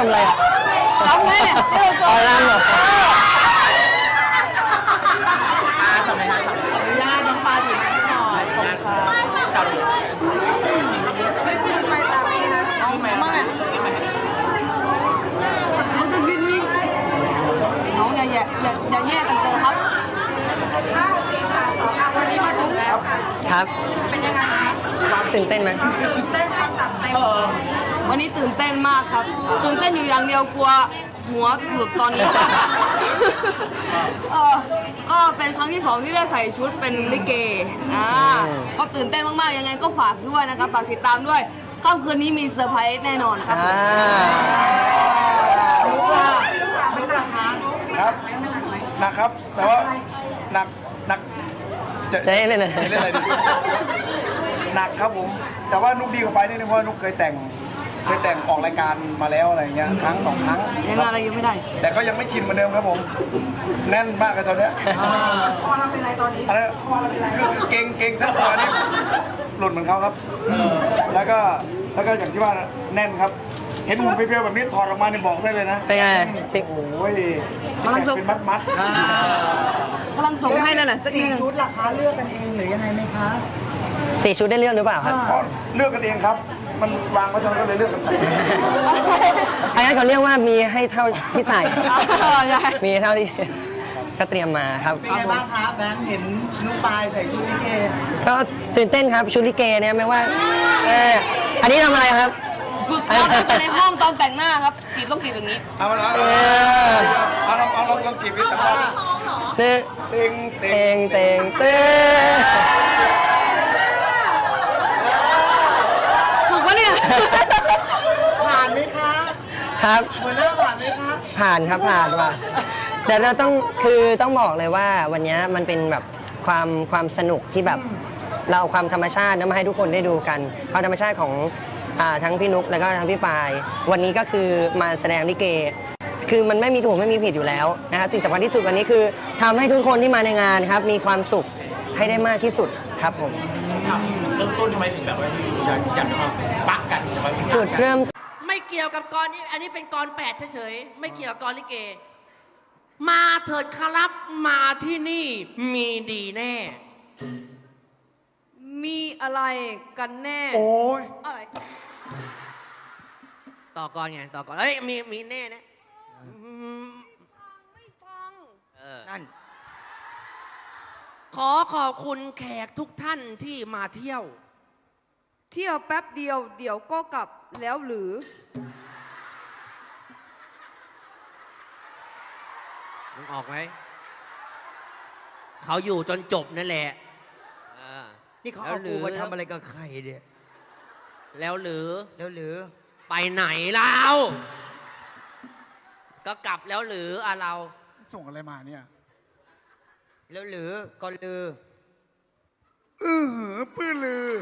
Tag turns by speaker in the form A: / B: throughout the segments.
A: ำอะไรอ่ะ
B: รำไงที่เราซ้อม
A: รำเหรอ
C: สมัยนั้นอนุญาตน้องปลาถือหน่อยขอบคุณครับ
B: เอามั่งอ่ะเราจะกินนี่น้องอย่าแย่กันเกินครับ
A: ครับเป็นยังไงตื่นเต้นไหม
B: วันนี้ตื่นเต้นมากครับตื่นเต้นอยู่อย่างเดียวกลัวหัวหลุดตอนนี้ครับก็เป็นครั้งที่2ที่ได้ใส่ชุดเป็นลิเกก็ตื่นเต้นมากๆยังไงก็ฝากด้วยนะครับฝากติดตามด้วยค่ำคืนนี้มีเซอร์ไพรส์แน่นอนครับ
D: ครับหนักครับแต่ว่าหนัก
A: จะเล่น
D: อะไรดีหนักครับผมแต่ว่านุกดีกว่าไปนิดนึงเพราะนุกเคยแต่งออกรายการมาแล้วอะไรเงี้ยครั้ง2 ครั้ง
B: ยังอะไรยังไม่ได้
D: แต่ก็ยังไม่ชินเหมือนเดิมครับผมแน่นมากเลยตอนเนี้ย
C: คอเราเป็นไรตอนนี้
D: คอเราเป็นไรคือเก่งทั้งตัวนี่หลุดเหมือนเขาครับแล้วก็อย่างที่ว่าแน่นครับเห็นหุ่นเพียวๆแบบนี้ถอดออกมาเนี่ยบอกได้เลยนะ
A: เป็นไง
D: ชิโอ้ยกำลังเป็นมัด
B: กำลังส่งให้นั่นแหละสักนิดนึง
C: ชุดราคาเลือกกันเองหรือยังไงไหมคะ
A: 4 ชุดได้เลือกหรือเปล่าครับ
D: เลือกกันเองครับมันวางไว้ตรงนั้นก็เลยเลือกกันใส่
A: อันนั้นเขาเรียกว่ามีให้เท่าที่ใส่มีเท่าที่ก็เตรียมมาครับ
C: เป็นไงบ้างครับแบงค์เห็นนุ๊กปายใส่ชุดลิเก
A: ก็ตื่นเต้นครับชุดลิเกเนี่ยไม่ว่าอันนี้ทำอะไรครับ
B: ฝึกครับอยู่ในห้องตอนแต่งหน้าครับจีบต้องจีบอย่างนี้
D: เอาลองจีบดิสักครั้ง
A: เต้
B: ถูกปะเนี่ย
C: ผ่านไหมคะ
A: ครับ
C: หัวหน้าผ่านไหมคะ
A: ผ่านครับผ่านว่ะแต่เราต้องบอกเลยว่าวันนี้มันเป็นแบบความสนุกที่แบบเราความธรรมชาติมาให้ทุกคนได้ดูกันความธรรมชาติของทั้งพี่นุ๊กแล้วก็ทั้งพี่ปายวันนี้ก็คือมาแสดงลิเกคือมันไม่มีถูกไม่มีผิดอยู่แล้วนะคะสิ่งสำคัญที่สุดวันนี้คือทำให้ทุกคนที่มาในงานครับมีความสุขให้ได้มากที่สุดครับผม
C: เริ่มต้นทำไมถึงแบบว่าอยากมาปะกัน
A: จุดเริ่ม
E: ไม่เกี่ยวกับกรนี้อันนี้เป็นกร8เฉยๆไม่เกี่ยวกับกรลิเกมาเถิดครับมาที่นี่มีดีแน่
B: มีอะไรกันแน่
D: โอ้ย
B: อะไร
E: ต่อกรไงต่อกรเฮ้ยมีแน่นะ
B: ไม่ฟัง
E: นั่นขอบคุณแขกทุกท่านที่มาเที่ยว
B: แป๊บเดียวเดี๋ยวก็กลับแล้วหรือ
E: มึงออกไหมเขาอยู่จนจบนั่นแหละ
F: นี่เขาเอากูมาทำอะไรกับใครเนี่ย
E: แล้วหรือไปไหนเราก็กลับแล้วหรือเรา
D: ส่งอะไรมาเนี่ย
F: แล้วหรือก็ลือ
D: ปื้อลือ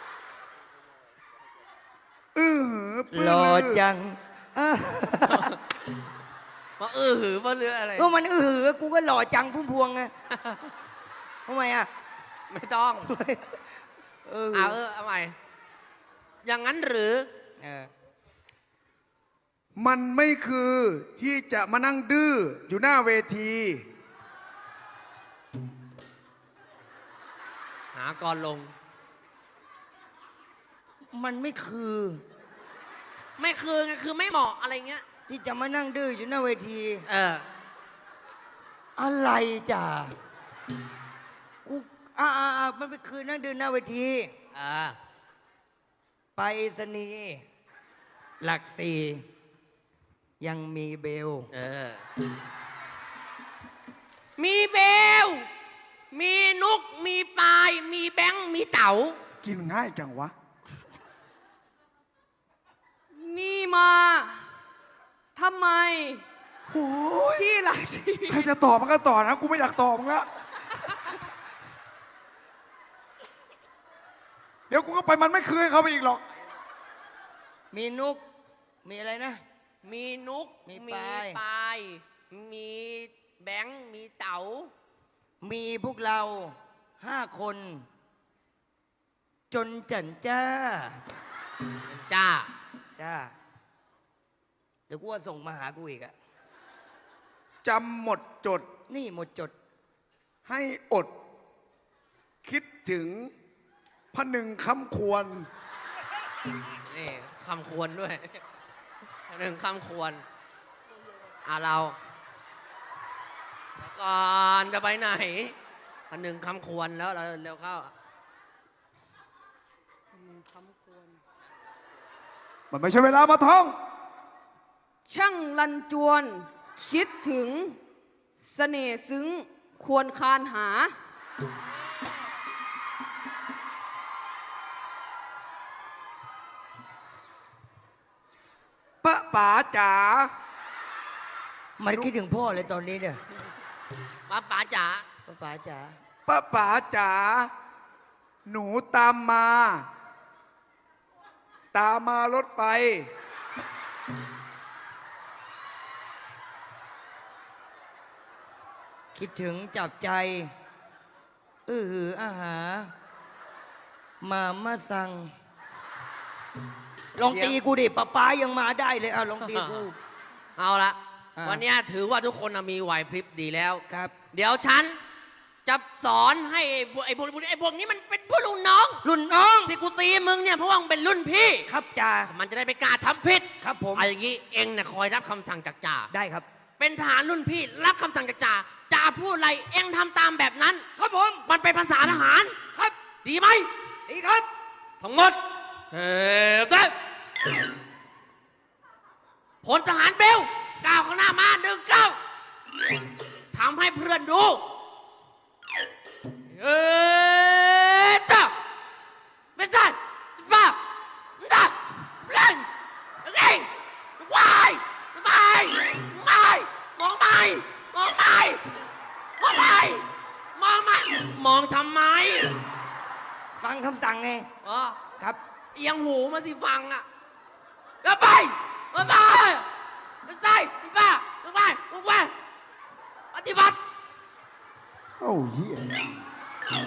F: หล่อจัง
E: มาหือว่าเรืออะไร
F: ก็มันกูก็หล่อจังพุ่มพวงไงทำไมอ่ะ
E: ไม่ต้องเอาใหม่อย่างนั้นหรือ
D: มันไม่คือที่จะมานั่งดื้ออยู่หน้าเวที
E: หากรลง
F: มันไม่คือ
E: ไงคือไม่เหมาะอะไรเงี้ย
F: ที่จะมานั่งดื้ออยู่หน้าเวที
E: อะไร
F: จ้ะกูมันไม่คือนั่งดื้อหน้าเวทีไปสนีหลัก4ยังมีเบล
E: มีเบลมีนุกมีปายมีแบงค์มีเต๋า
D: กินง่ายจังวะ
B: มีมาทำไมที่หลักสี่
D: ใครจะตอบมันก็ตอบนะกูไม่อยากตอบมึงละเดี๋ยวกูก็ไปมันไม่คืนเขาไปอีกหรอก
F: มีนุกมีอะไรนะ
E: มีนุกมีปายมีแบงค์มีเต๋า
F: มีพวกเรา5 คนจนจันจ้าเดี๋ยวกูว่าส่งมาหากูอีกอะ
D: จำหมดจด
F: นี่หมดจด
D: ให้อด คิดถึงพะนึงคำควร
E: นี่คำควรด้วย หนึ่งคำควรเราก่อนจะไปไหนอันหนึ่งคำควรแล้วเราเร็วเข้า
D: มันไม่ใช่เวลามาท่อง
B: ช่างลันจวน คิดถึงเสน่ห์ซึ้งควรคานหา
D: ป้าป๋าจ๋า
F: มันคิดถึงพ่อเลยตอนนี้เนี่ย
E: ป้าป๋าจ๋า
F: ป๋าจ๋า
D: ป้าป๋าจ๋า หนูตามมา ตามมารถไฟ
F: คิดถึงจับใจอาหา มาสั่ง ลองตีกูดิป้ายังมาได้เลยลองตีกู
E: เอาละ
F: อ่า
E: วันนี้ถือว่าทุกคนมีไหวพริบดีแล้ว
F: ครับ
E: เดี๋ยวฉันจะสอนให้ไอ้พวกนี้มันเป็นผู้รุ่นน้อง
F: รุ่นน้อง
E: ที่กูตีมึงเนี่ยเพราะว่ามึงเป็นรุ่นพี่
F: ครับจ่า
E: มันจะได้ไปกล้าทำผิด
F: ครับผม
E: เอาอย่างนี้เองเนี่ยคอยรับคำสั่งจากจ่า
F: ได้ครับ
E: เป็นทหารรุ่นพี่รับคำสั่งจากจ่าจ่าพูดอะไรเองทำตามแบบนั้น
F: ครับผม
E: มันเป็นภาษาทหาร
F: ครับ
E: ดีไหม
F: ดีครับ
E: ทั้งหมดได้พลทหารเบลก้าวข้างหน้ามา19ทำให้เพื่อนดูจ้าไม่ใช่ฟ้าจ้าเล่นไงวายไม่มองไม่มองไม่มองไม่มองไม่มองทำไม
F: ฟังคำสั่งไง
E: อ๋อ
F: ครับ
E: เอียงหูมาสิฟังอ่ะแล้วไปมาไปไม่ใช่ป้าไปปฏิบัติ
D: โอ้เหี้ย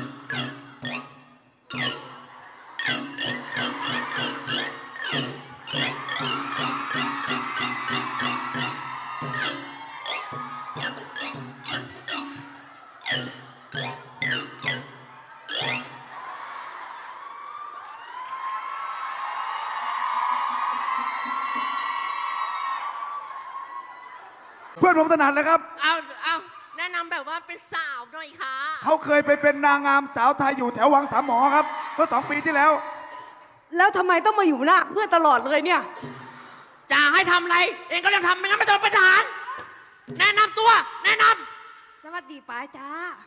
D: เพื่อนผมถนัดเลยครับ
E: เอาแนะนำแบบว่าเป็นสาวหน่อยค่ะ
D: เขาเคยไปเป็นนางงามสาวไทยอยู่แถววังสามหมอครับ เมื่อ2 ปีที่แล้ว
B: แล้วทำไมต้องมาอยู่หน้าเพื่อนตลอดเลยเนี่ย
E: จะให้ทำอะไร เองก็ต้องทำไม่งั้นไม่ต้องเป็นทหาร แนะนำตัว แนะน
B: สวัสดีป้าจ้า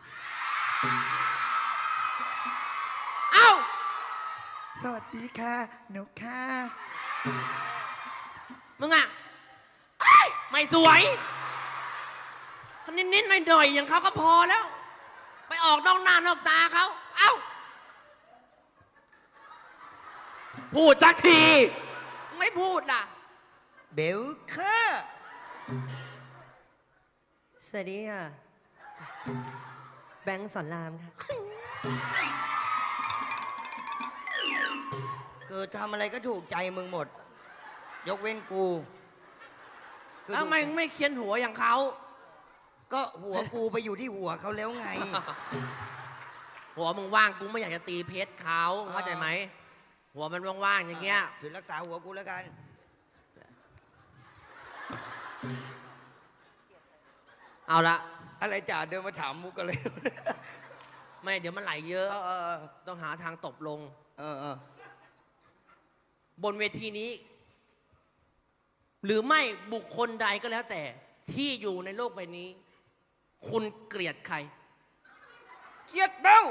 E: ำเอ้า
D: สวัสดีค่ะหนูค่ะ
E: มึงอ่ะเอ้ยไม่สวยนิดๆหน่อยๆอย่างเขาก็พอแล้ว ไปออกนอกหน้านอกตาเขา เอ้า พูดสักที ไม่พูดล่ะ
F: เบลค่ะ
A: สวัสดีค่ะ แบงค์สอนรามค่ะ
F: คือทำอะไรก็ถูกใจมึงหมด ยกเว้นกูคือ
E: แล้วทำไมไม่เคียนหัวอย่างเขา
F: ก็หัวกูไปอยู่ที่หัวเขาแล้วไง
E: หัวมึงว่างกูไม่อยากจะตีเพชรเขาเข้าใจไหม หัวมันว่างๆอย่างเงี้ย
F: ถือรักษาหัวกูแล้วกัน
E: เอาละ
F: อะไรจ่าเดินมาถามมุกกันเลย
E: ไม่เดี๋ยวมันไหลเยอะ
F: เออ
E: ต้องหาทางตบลง
F: เออ
E: บนเวทีนี้ หรือไม่บุคคลใดก็แล้วแต่ที่อยู่ในโลกใบนี้ คุณเกลียดใคร
B: เกียดเบล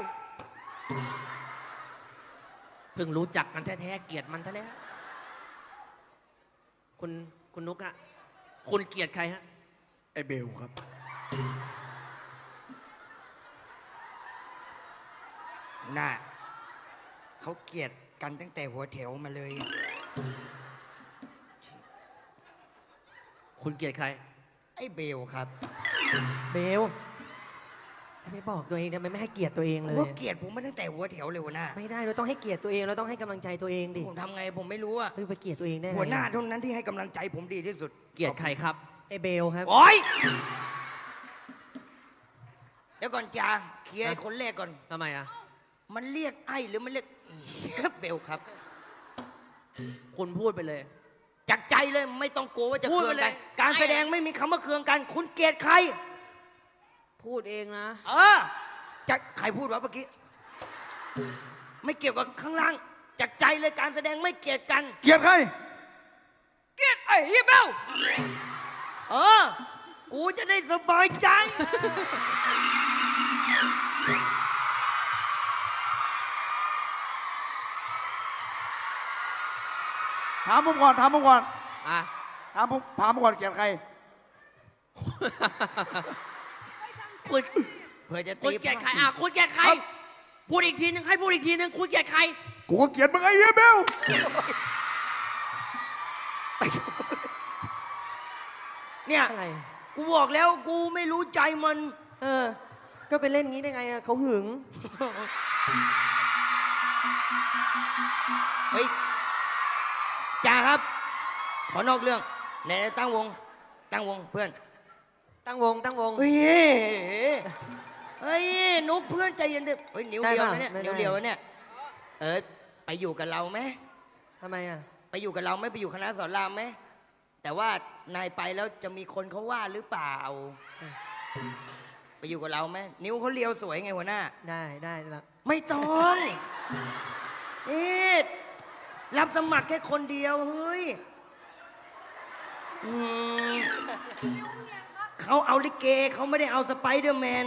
E: เพิ่งรู้จักกันแท้ๆเกลียดมันซะแล้วคุณนุกฮะคุณเกลียดใครฮะ
D: ไอเบลครับ
F: น่ะเขาเกลียดกันตั้งแต่หัวแถวมาเลย
E: คุณเกลียดใคร
F: ไอ้เบลครับ
A: เบลไม่บอกตัวเองทำไมไม่ให้เกียรติตัวเองเลย
F: ว่าเกลียดผมมาตั้งแต่หัวแถวเลยหัวหน้า
A: ไม่ได้เราต้องให้เกียรติตัวเองเราต้องให้กำลังใจตัวเองดิ
F: ผมทำไงผมไม่รู้อะ
A: เฮ้ยไปเกลียดตัวเองได้ไง
F: หัวหน้าเท่านั้นที่ให้กำลังใจผมดีที่สุด
E: เกลียดใครครับ
A: ไอเบลครับ
F: โอ๊ยเดี๋ยวก่อนจ้าเคลียร์ไอ้คนแรกก่อน
E: ทำไมอ่ะ
F: มันเรียกไอ้หรือมันเรียกเบลครับ
E: คุณพูดไปเลย
F: จากใจเลยไม่ต้องกลัวว่าจะ
E: พูด
F: เคื
E: ไป
F: อง
E: เลย
F: กันการแสดงไม่มีคำว่าเคืองกัน คุณเกลียดใคร
B: พูดเองนะ
F: จะใครพูดวะเมื่อกี้ ไม่เกี่ยวกับข้างล่าง จากใจเลยการแสดงไม่เกลียดกัน
D: เกลียดใคร
F: เกลียดไอ้เฮียเบลกูจะได้สบายใจ
D: ถามผมก่อนถามผมก่อน
E: อ่ะ
D: ถามผมก่อนเกลียดใคร
E: คุณ
F: เพื่อจะ
E: คุณ
F: ตี
E: เกลียดใครอ่ะคุณเกลียดใคร พูดอีกทีนึงให้พูดอีกทีนึงคุณเกลียดใคร
D: กูก็เกลียดมึงไอ้เหี้ยเบล
F: เนี่ย
A: อะไร
F: กูบอกแล้วกูไม่รู้ใจมัน
A: ก็ไปเล่นงี้ได้ไงอะเขาหึง
F: เฮ้ยจ่าครับ ขอนอกเรื่องไหนตั้งวงเพื่อน
A: ตั้งวงตั้งวง
F: เฮ้ยเฮ้ยนุ๊กเพื่อนใจเย็นดิเฮ้ยนิ้วเดียวนะเนี่ย
A: ได้ปะไม่ได้
F: นิ้วเดียวนะเนี่ยไปอยู่กับเราไหม
A: ทำไมอะ
F: ไปอยู่กับเราไหมไปอยู่คณะสอนรามไหมแต่ว่านายไปแล้วจะมีคนเขาว่าหรือเปล่า ไปอยู่กับเราไหมนิ้วเขาเลียวสวยไงหัวหน้า
A: ได้แล้ว
F: ไม่ต้องเอ๊ะรับสมัครแค่คนเดียวเฮ้ยเขาเอาลิเกเขาไม่ได้เอาสไปเดอร์แมน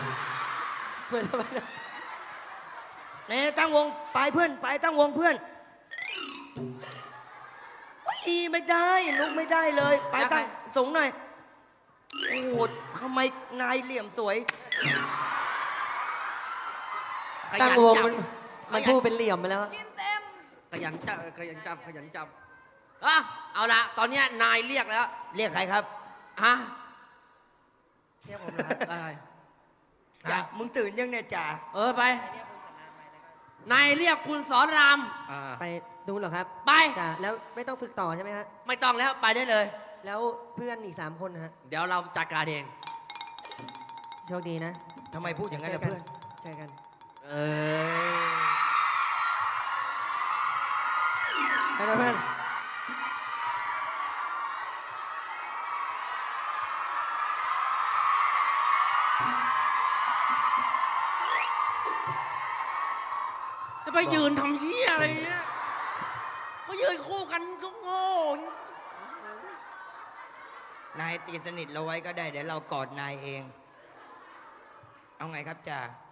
F: เนี่ยตั้งวงไปเพื่อนไปตั้งวงเพื่อนไม่ได้ลุกไม่ได้เลยไปตั้งสูงหน่อยโอ้โหทำไมนายเหลี่ยมสวย
E: ขยั
A: ตั้ง
E: น
A: วง
E: จับ
A: มันพูดเป็นเหลี่ยมไปแล้ว
E: ขยันจับขยันจับขยันจับอ่ะเอาละตอนเนี้ยนายเรียกแล้ว
F: เรียกใครครับ
E: ฮะ
A: เรียกผมเหรอ
E: อะไร
F: จ่ามึงตื่นยังเนี่ยจ่า
E: ไป นายเรียกคุณสอนราม
A: ไปดูเหรอครับ
E: ไป
A: จ้ะแล้วไม่ต้องฝึกต่อใช่ไหมฮะ
E: ไม่ต้องแล้วไปได้เลย
A: แล้วเพื่อนอีก3 คนนะฮะ
E: เดี๋ยวเราจัดการเอง
A: โชคดีนะ
F: ทำไมพูดอย่างนั้นล่ะเพื่อน
A: เจอกัน
E: เออ
A: ไปนะเพื่อน
E: จะไปยืนทำเหี้ยอะไรเนี่ยก็ยืนคู่กันก็โง่
F: นายตีสนิทเราไว้ก็ได้ เดี๋ยวเรากอดนายเอง เอาไงครับจ่า